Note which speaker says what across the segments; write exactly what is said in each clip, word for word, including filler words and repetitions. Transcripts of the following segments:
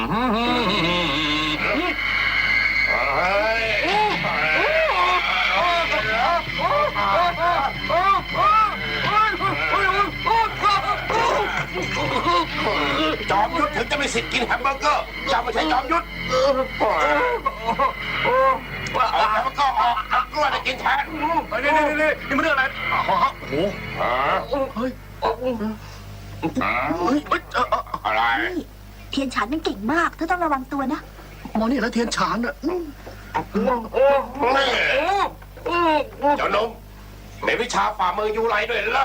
Speaker 1: จอมยุทธถึงจะมีสิทธิ์กินแฮมเบอร์เกอร์จะไม่ใช่จอมยุทธเอาแฮมเบอร์เกอร์ออกเอากล้วยไปกินแทนนี่นี่นี่นี่มันเรื่องอะไรโอ้โหเฮ้ยอะไร
Speaker 2: เทียนฉานมันเก่งมากเธอต้องระวังตัวนะ
Speaker 3: มอนี่แล้วเทียนฉานอ่ะ
Speaker 1: เจ้าหนุ่มในวิชาฝ่ามือยูไรด้วยเหรอ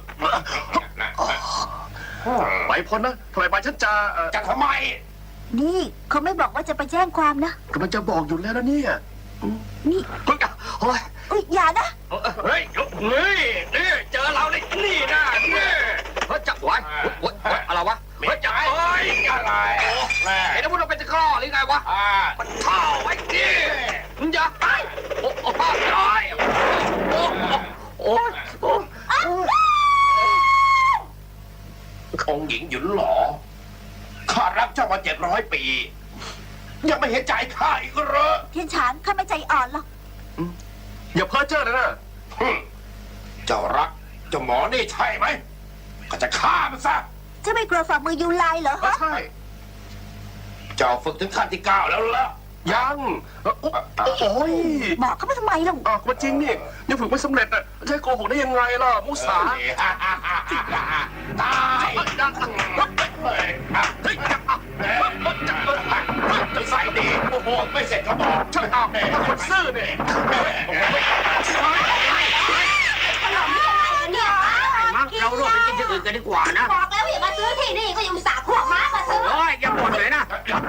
Speaker 3: ไปพ้นนะทำไมไปฉันจะ
Speaker 1: จะทำไม
Speaker 2: นี่เขาไม่บอกว่าจะไปแจ้งความนะ
Speaker 3: ก็มันจะบอกอยู่แล้วนะเนี่ย
Speaker 2: นี่
Speaker 3: เฮ้ยเฮ้ย
Speaker 2: อย่านะ
Speaker 1: เฮ้ยเฮ้ยนี่เจอเราในนี่นะนี่
Speaker 3: เฮ้ยจับไว้อะไรวะ
Speaker 1: เฮ้ยจับเฮ้ยอะไร
Speaker 3: ไอ้นั่นพวกเราเป็นตะกร้อหรือไงวะมันเท่าไว้ดิมึงอย่าไปโอ้โหโอ้ยโอ้โอ้โอ้
Speaker 1: องค์หญิงหยุนหล่อข้ารักเจ้ามาเจ็ดร้อยปียังไม่เห็นใจข้าอีกเหรอ
Speaker 2: เทียนฉานข้าไม่ใจอ่อนหรอก
Speaker 3: อย่าเพ้อเจ้อนะนะ
Speaker 1: เจ้ารักเจ้าหมอนี่ใช่ไหมก็จะฆ่ามันซะ
Speaker 2: จะไม่กลัวฝ่ามือยูไลเหรอฮะ
Speaker 3: ใช่
Speaker 1: เจ้าฝึกถึงขั้นที่เก้าแล้วล่ะ
Speaker 3: ยังโอ้ย
Speaker 2: บอกเขาไปทำไมล่ะ
Speaker 3: อ๋อมันจริงนี่ยังฝึกไม่สำเร็จอ่ะจะโกหกได้ยังไงล่ะมุสา
Speaker 1: ตายจะใส่ดีโอ้โหไม่เสร็จก็บอก
Speaker 3: ช่างเอาถ้าคนซื่อเนี่ย
Speaker 4: เราโรคไปกินที่อื่นกันดีกว่านะ
Speaker 2: บอกแล้วอย่ามาซื้อที่นี่ก็ยังสาขวบม้ามาซื้อ
Speaker 4: โอ้ยอย่าบ่นเลยนะ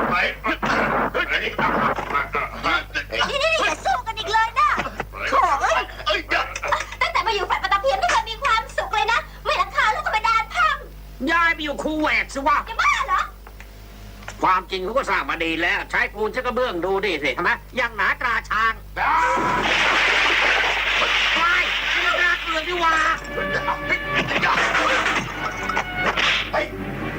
Speaker 2: นี่นี่อย่าสู้กันอีกเลยนะโถ่เอ้ยตั้งแต่มาอยู่ฝ่ายปฐพีไม่เคยมีความสุขเลยนะไม่ราคาลูกกระดานพัง
Speaker 4: ย้ายไปอยู่คูเวตสิวะ
Speaker 2: จะบ้าเหรอ
Speaker 4: ความจริงเขาก็สร้างมาดีแล้วใช้ปูนใช้กระเบื้องดูดิสิทำไมยังหนาตราช้างไปไม่น่าเกลือดีว่า
Speaker 1: เฮ้ย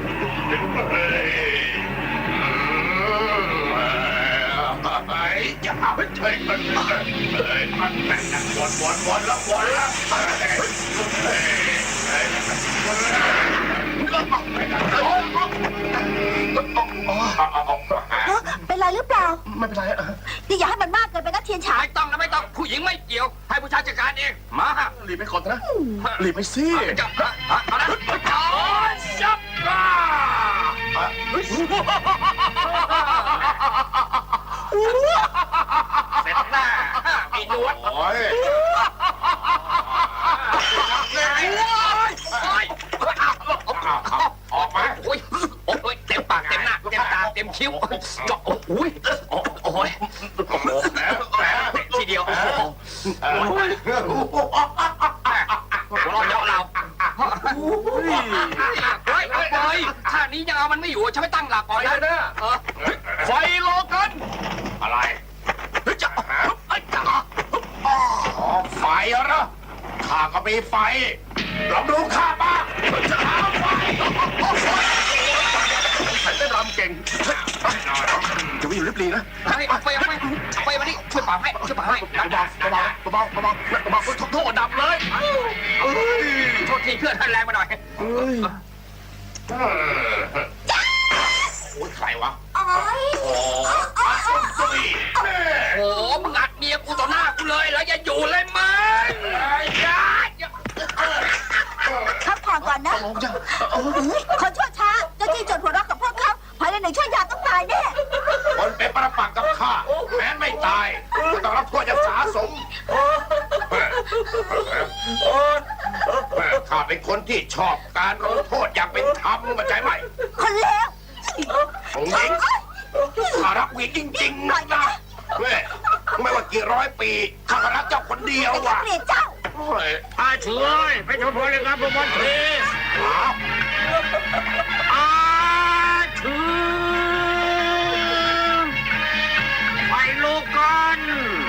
Speaker 1: อย่าเอาไปเฉยมันเลยมันแบ่งกันวนวนวนแล้ววนแล้ว
Speaker 2: เป็นไรหรือเปล่า
Speaker 3: ไม่เป็นไรอ่ะ
Speaker 2: นี่อย่าให้มันมากเกินไปนะเทียนฉาย
Speaker 4: ไม่ต้องนะไม่ต้องผู้หญิงไม่เกี่ยวให้ผู้ชายจัดการเองมา
Speaker 3: หลีบไปก่อนนะหลีบไปสิ
Speaker 4: จับเอาละจับจับเสร็จแน่มีนวด
Speaker 1: โอ้ยออกมา
Speaker 4: โอ้ยโอ้ยเต็มปากเต็มหน้าเต็มตาเต็มคิ้วจาะโอ้ยโอ้ยทีเดียวหัวเราเยาะเราเฮ้ยเฮ้ยท่านี้ยังเอามันไม่อยู่ฉันไม่ตั้งหลักก่อนนะ
Speaker 3: ไฟโลกัน
Speaker 1: อะไร
Speaker 4: จะจะ
Speaker 1: ไฟเหรอข้าก็มีไฟลองดูข้าบ้างจะหาไฟ
Speaker 3: ใส่เต้นรำเก่งจะไม่อยู่ริบลีนะ
Speaker 4: ไปไปไปไปมาดิช่วยป่าให้ช่วยป่าให้
Speaker 3: เบาเบาเบาเบาเบาเบาโทษดับเลย
Speaker 4: โทษทีเพื่อนท่านแรงมาหน่อย
Speaker 1: โอ้ยใครวะ
Speaker 2: โอ้ย
Speaker 1: โ
Speaker 4: อ้โหมึงอัดเมียกูต่อหน้ากูเลยแล้วอย่าอยู่เลยมึง
Speaker 2: พักผ่อนก่อนนะคนชั่วช้าจะจี้จดหัวรักกับพวกเขาภายในหนึ่งชั่วยามต้องตายแน่
Speaker 1: คนเป็นประปักกับข้าแม้ไม่ตายก็ต้องรับโทษอย่างสาสมข้าเป็นคนที่ชอบการลงโทษอย่างเป็นธรรมเข้าใจไหม
Speaker 2: คนเลว
Speaker 1: องค์หญิงข้ารักวีจริงๆนะไม่ว่ากี่ร้อยปีข้ารักเจ้าคนเดียวว่ะ
Speaker 2: เกลียดเจ้า
Speaker 4: อาเฉยไปชมพลเลยครับผมวันเทอาเฉยไปโลกัน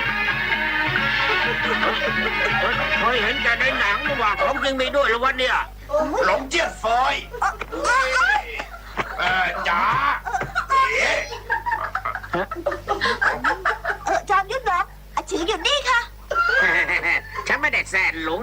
Speaker 4: เคยเห็นแต่ในหนังว่าของจริงมีด้วยหรือวะเนี่ย
Speaker 1: หลงเจี๊ยบฟอยเออจ๋าเ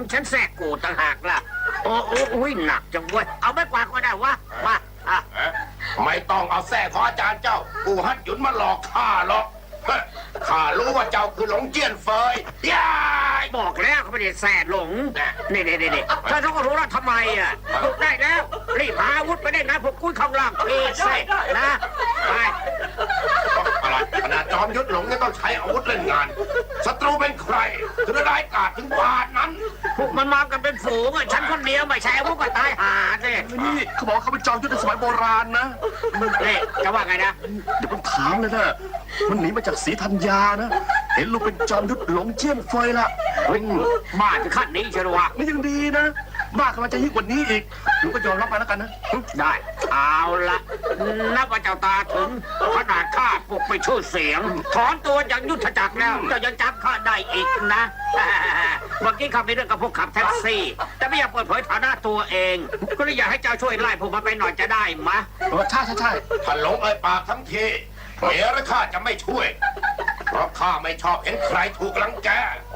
Speaker 4: ฉันแทรกกูต่างหากล่ะโอ้โอ้อุ้ยหนักจังเว้ยเอาไม่กว่าก็ได้วะมาอ่ะ
Speaker 1: ไม่ต้องเอาแท้ของอาจารย์เจ้ากูฮัดหยุนมาหลอกข้าหรอกเฮ้ยข้ารู้ว่าเจ้าคือหลงเจี้ยนเฟยยาย
Speaker 4: บอกแล้วเขาไม่ได้แสหลงนี่นี่นี่นี่ถ้าเขาก็รู้แล้วทำไมอ่ะหยุดได้แล้วรีบหาอาวุธไปได้นะพวกกุ้ยข้างล่างเพศใส่นะไป
Speaker 1: อะไรขนาดจอมยุทธหลงยังต้องใช้อาวุธเล่นงานศัตรูเป็นใครถึงร้ายกาจถึงปานนั้น
Speaker 4: พวกมันมากันเป็นฝูงอ่ะฉันคนเดียวไม่ใช่อาวุธก็ตายหาสิ
Speaker 5: นี่เขาบอกเขาเป็นจอมยุทธในสมัยโบราณนะ
Speaker 4: นี่จะว่าไงนะ
Speaker 5: เดี๋ยวผมถามเลยนะมันหนีมาจากศรีธัญญานะ เห็นลูกเป็นจอมยุทธหลงเจี้ยนเฟยละ
Speaker 4: เฮ้ยบ้าถึงขั้นนี้เชียววะ
Speaker 5: นี่ยังดีนะ บ้ากำลังจะยิ่งกว่านี้อีกลูกก็ยอมรับมาแล้วกันนะ
Speaker 4: ได้เอาละนับว่าเจ้าตาถึงขนาดข้าปลุกไปชื่อเสียง ถอนตัวจากยุทธจักรแล้วเจ้ายังจำข้าได้อีกนะ เมื่อกี้ข้ามีเรื่องกับพวกขับแท็กซี่ แต่ไม่อยากเปิดเผยฐานะตัวเอง ก็เลยอยากให้เจ้าช่วยไล่พวกมันไปหน่อยจะได้มะ
Speaker 5: เออใช่ใช่ใช่
Speaker 1: ถ้าหลงเอ่ยปากทั้งทีเมียและข้าจะไม่ช่วย เพราะข้าไม่ชอบเห็นใครถูกรังแก